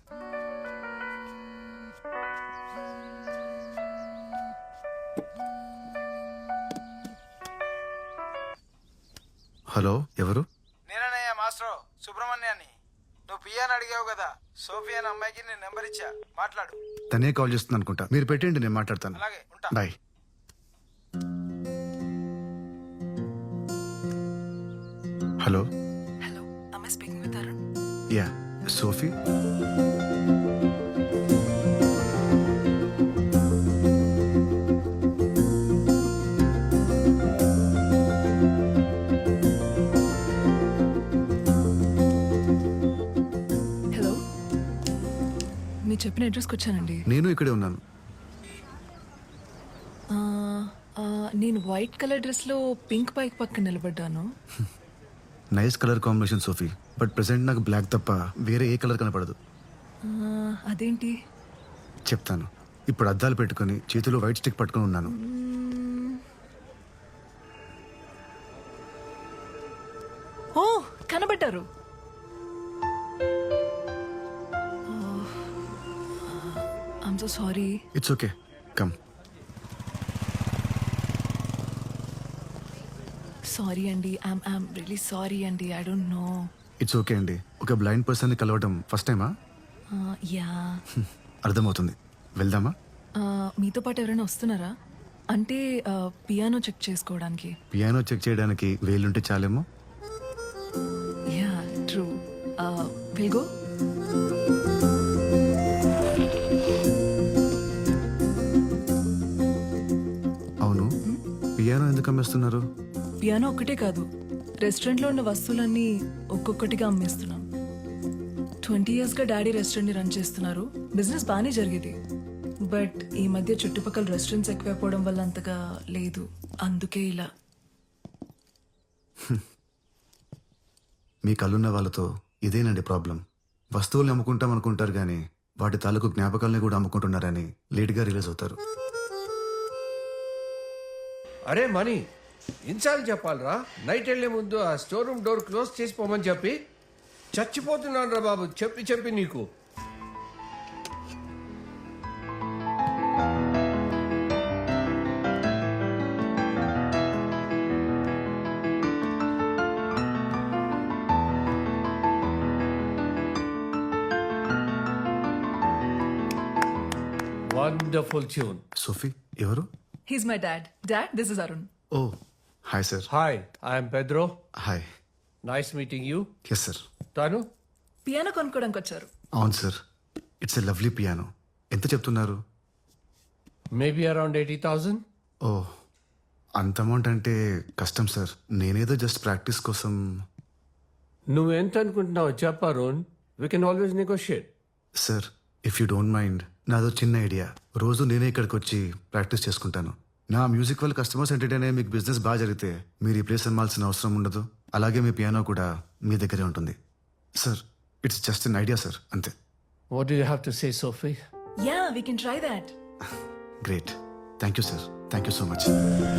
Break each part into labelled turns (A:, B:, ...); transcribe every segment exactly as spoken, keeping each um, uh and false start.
A: Hello, ఎవరు?
B: నేననయ్య master సుబ్రహ్మణ్యాన్ని. నువ్వు పియాని అడిగావు కదా, సోఫియా అనే అమ్మాయికి నేను నెంబర్ ఇచ్చా, మాట్లాడు.
A: తనే కాల్ చేస్తుంది అనుకుంటా, మీరు పెట్టండి, నేను మాట్లాడతాను.
B: అలాగే, ఉంటా.
A: Bye. Hello.
C: Hello, am I speaking with Arun?
A: Yeah, Sophie.
C: Hello, మీరు చెప్పిన అడ్రస్కి వచ్చానండి.
A: నేను ఇక్కడే ఉన్నాను.
C: ఆ, ఆ, నేను వైట్ కలర్ డ్రెస్లో పింక్ బైక్ పక్కన నిలబడ్డాను.
A: Nice colour combination Sophie, but present నాకు బ్లాక్ తప్ప వేరే ఏ కలర్ కనపడదు.
C: ఆ, అదేంటి?
A: చెప్తాను. ఇప్పుడు అద్దాలు పెట్టుకుని చేతిలో వైట్ స్టిక్ పట్టుకుని ఉన్నాను.
C: ఓ, కనబడ్డారు. I'm so sorry.
A: It's okay, come.
C: Sorry అండి, ఐమ్ ఐమ్ రియలీ సారీ అండి, I don't know.
A: It's okay అండి. ఒక బ్లైండ్ పర్సన్ని కలవడం ఫస్ట్ టైమా?
C: యా.
A: అర్థమవుతుంది. వెళ్దామా?
C: మీతో పాటు ఎవరైనా వస్తున్నారా? అంటే పియానో చెక్ చేసుకోవడానికి.
A: పియానో చెక్ చేయడానికి వేలుంటే చాలేమో.
C: Yeah, true. Will go.
A: అవును, పియానో ఎందుకు అమ్మేస్తున్నారు?
C: పియానో ఒక్కటే కాదు, రెస్టారెంట్లో ఉన్న వస్తువులన్నీ ఒక్కొక్కటిగా అమ్మేస్తున్నాం. ట్వంటీ ఇయర్స్గా డాడీ రెస్టారెంట్ని రన్ చేస్తున్నారు. బిజినెస్ బాగానే జరిగేది, బట్ ఈ మధ్య చుట్టుపక్కల రెస్టారెంట్స్ ఎక్కువైపోవడం వల్ల అంతగా లేదు. అందుకే ఇలా.
A: మీ కళ్ళున్న వాళ్ళతో ఇదేనండి ప్రాబ్లం. వస్తువుల్ని అమ్ముకుంటాం అనుకుంటారు కానీ వాటి తాలూకు జ్ఞాపకాలని కూడా అమ్ముకుంటున్నారని లేట్గా రిలీజ్ అవుతారు.
D: అరే మనీ, ఇన్సార్లు చెప్పాలరా, నైట్ వెళ్లే ముందు ఆ స్టోర్ రూమ్ డోర్ క్లోజ్ చేసిపోమని చెప్పి. చచ్చిపోతున్నాను రా బాబు, చెప్పి చెప్పి నీకు. Wonderful tune.
A: సోఫీ ఎవరు?
C: He's my dad. Dad, this is Arun.
A: Oh, hi sir.
D: Hi, I'm Pedro.
A: Hi.
D: Nice meeting you.
A: Yes sir.
D: తాను
C: పియానో కొనుక్కోడానికి వచ్చారు.
A: అవును సార్, ఇట్స్ ఎ లవ్లీ పియానో. ఎంత చెప్తున్నారు?
D: Maybe around eighty thousand.
A: Oh, అంత amount అంటే కష్టం సార్. నేనేదో జస్ట్ ప్రాక్టీస్ కోసం.
D: నువ్వు ఎంత అనుకుంటున్నావు చెప్ప Arun, we can always negotiate.
A: Sir, if you don't mind, నాదో చిన్న ఐడియా. రోజు నేనే ఇక్కడికి వచ్చి ప్రాక్టీస్ చేసుకుంటాను. నా మ్యూజిక్ వల్ల కస్టమర్స్ ఎంటర్టైన్ అయ్యే మీకు బిజినెస్ బాగా జరిగితే మీరు ఈ ప్లేస్ అమ్మాల్సిన అవసరం ఉండదు. అలాగే మీ పియానో కూడా మీ దగ్గరే ఉంటుంది. Sir, it's just an idea sir, అంతే.
D: What do you have to say Sophie?
C: Yeah, we can try that.
A: Great, thank you sir. Thank you so much.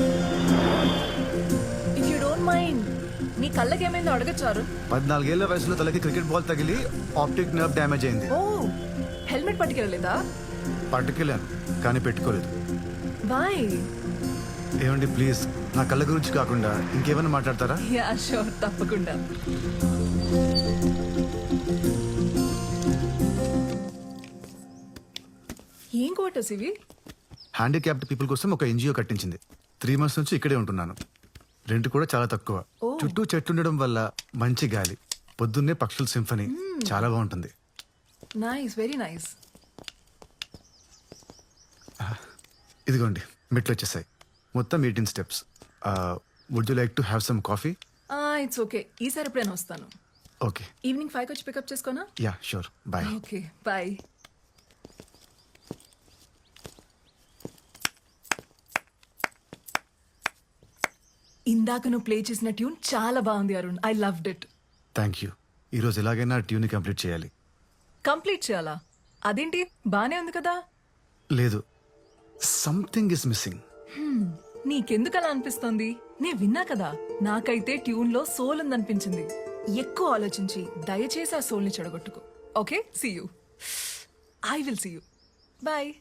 C: If you don't mind, నీ కళ్ళకి ఏమైందో అడగచ్చారు?
A: పద్నాలుగేళ్ల వయసులో తలకి క్రికెట్ బాల్ తగిలి optic nerve damage అయింది.
C: Oh, helmet పట్టుకెళ్ళలేదా?
A: పట్టుకెళ్ళాను కానీ పెట్టుకోలేదు.
C: బాయ్.
A: ఏమండి ప్లీజ్, నా కళ్ళ గురించి కాకుండా ఇంకేమైనా మాట్లాడతారా?
C: యా షూర్, తప్పకుండా. ఏం క్వార్టర్స్ ఇవి?
A: హ్యాండిక్యాప్డ్ పీపుల్ కోసం ఒక ఎన్జిఓ కట్టించింది. త్రీ మంత్స్ నుంచి ఇక్కడే ఉంటున్నాను. రెంట్ కూడా చాలా తక్కువ. చుట్టూ చెట్టు ఉండడం వల్ల మంచి గాలి, పొద్దున్నే పక్షుల సింఫనీ, చాలా బాగుంటుంది.
C: Nice, very nice.
A: ఇదిగోండి, మెట్లు వచ్చేసాయి. మొత్తం eighteen steps. Would you like to have some coffee?
C: It's okay, ఈసారి ఎప్పుడైనా వస్తాను.
A: ఓకే.
C: ఈవినింగ్ ఫైవ్కి వచ్చి పికప్ చేసుకోనా?
A: Yeah sure, bye.
C: Okay, bye. ఇందాక నువ్వు ప్లే చేసిన ట్యూన్ చాలా బాగుంది Arun, I loved it.
A: Thank you. ఈరోజు ఎలాగైనా ట్యూన్ కంప్లీట్ చేయాలి.
C: కంప్లీట్ చేయాలా? అదేంటి, బానే ఉంది కదా?
A: లేదు, సంథింగ్ ఇస్ మిస్సింగ్.
C: నీకెందుకు అలా అనిపిస్తోంది? నే విన్నా కదా, నాకైతే ట్యూన్ లో సోల్ ఉందనిపించింది. ఎక్కువ ఆలోచించి దయచేసి ఆ సోల్ ని చెడగొట్టుకో. Okay, see you. I will see you bye.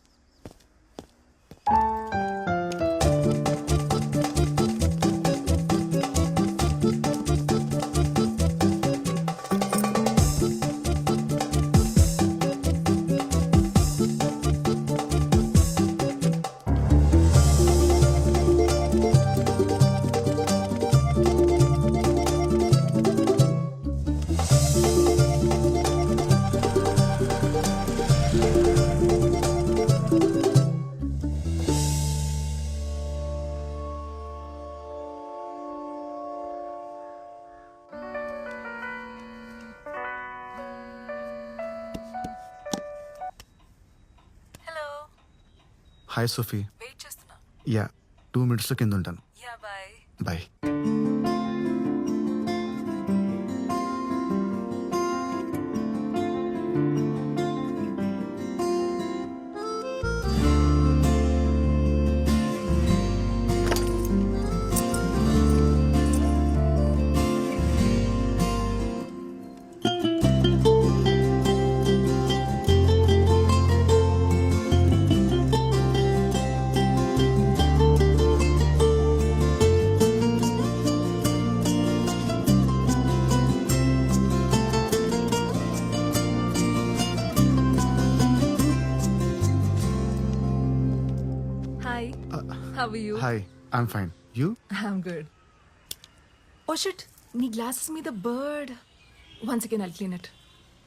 C: Hello,
A: hi Sophie.
C: Wait చేస్తున్నా.
A: యా, టూ మినిట్స్లో కింద ఉంటాను.
C: Yeah bye.
A: Bye.
C: Hi, how are you?
A: Hi, I'm fine. You?
C: I'm good. Oh shit, నీ గ్లాసెస్ మీద bird. Once again I'll clean it.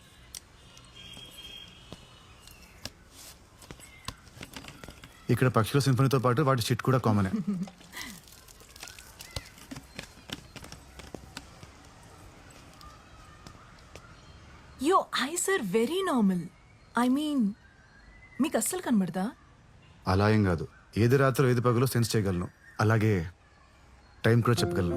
A: ఇక్కడ పక్షుల సింఫనీతో పాటు వాటి షిట్ కూడా కామనే.
C: Your eyes are very normal. I mean, మీకు అస్సలు కనబడదా?
A: అలా ఏం కాదు. ఏది రాత్రి ఏది పగలో సెన్స్ చేయగలను. అలాగే టైం కూడా చెప్పగలను.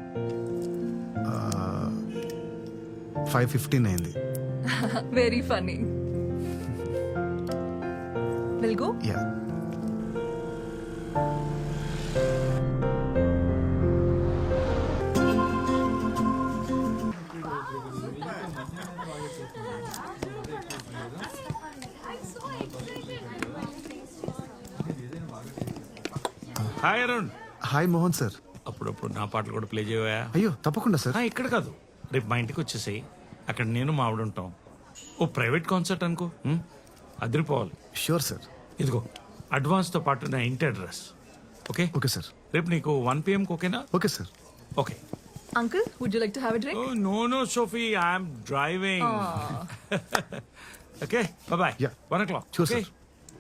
A: ఫైవ్ ఫిఫ్టీన్ అయింది.
C: Very funny. Will go.
A: Yeah.
E: Hi Arun.
A: Hi Mohan sir.
E: అప్పుడప్పుడు నా పాటలు కూడా ప్లే చేయవా?
A: అయ్యో తప్పకుండా సార్.
E: ఆ, ఇక్కడ కాదు, రేపు మా ఇంటికి వచ్చేసాయి. అక్కడ నేను మా ఆవిడ ఉంటాం. ఓ ప్రైవేట్ కాన్సర్ట్ అనుకో, ఉం? అదిరిపోవాలి.
A: Sure sir.
E: ఇదిగో అడ్వాన్స్తో పాటు నా ఇంటి అడ్రస్. Okay
A: okay sir.
E: రేపు నీకు వన్ పిఎంకి ఓకేనా?
A: Okay sir.
E: Okay.
C: Uncle, would you like to have a drink?
E: No no Sophie, I'm driving. Okay bye.
A: Yeah.
E: One o'clock.
A: Sure, sir.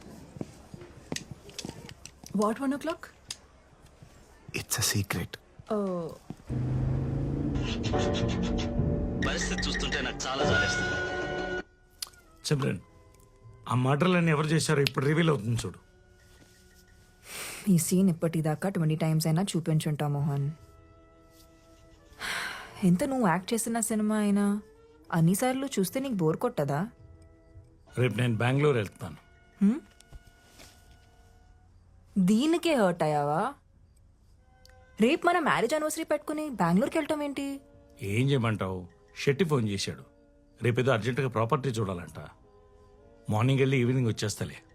C: What one o'clock?
A: It's a secret.
F: పరిస్థితి చూస్తుంటే నాకు చాలా జాలేస్తుంది.
E: సిమ్రన్, ఆ మర్డర్లన్నీ ఎవరు చేశారో ఇప్పుడు reveal అవుతుంది చూడు.
G: ఈ సీన్ ఇప్పటిదాకా ట్వంటీ టైమ్స్ అయినా చూపించుంటా మోహన్. ఎంత నువ్వు యాక్ట్ చేసిన సినిమా అయినా అన్నిసార్లు చూస్తే నీకు బోర్ కొట్టదా?
E: రేపు నేను బెంగళూరు వెళ్తాను.
G: దీనికే హర్ట్ అయ్యావా? రేపు మన మ్యారేజ్ యానివర్సరీ పెట్టుకుని బెంగళూరుకి వెళ్ళటం ఏంటి?
E: ఏం చేయమంటావు? షెట్టి ఫోన్ చేశాడు. రేపేదో అర్జెంటుగా ప్రాపర్టీ చూడాలంట. మార్నింగ్ వెళ్ళి ఈవినింగ్ వచ్చేస్తలే.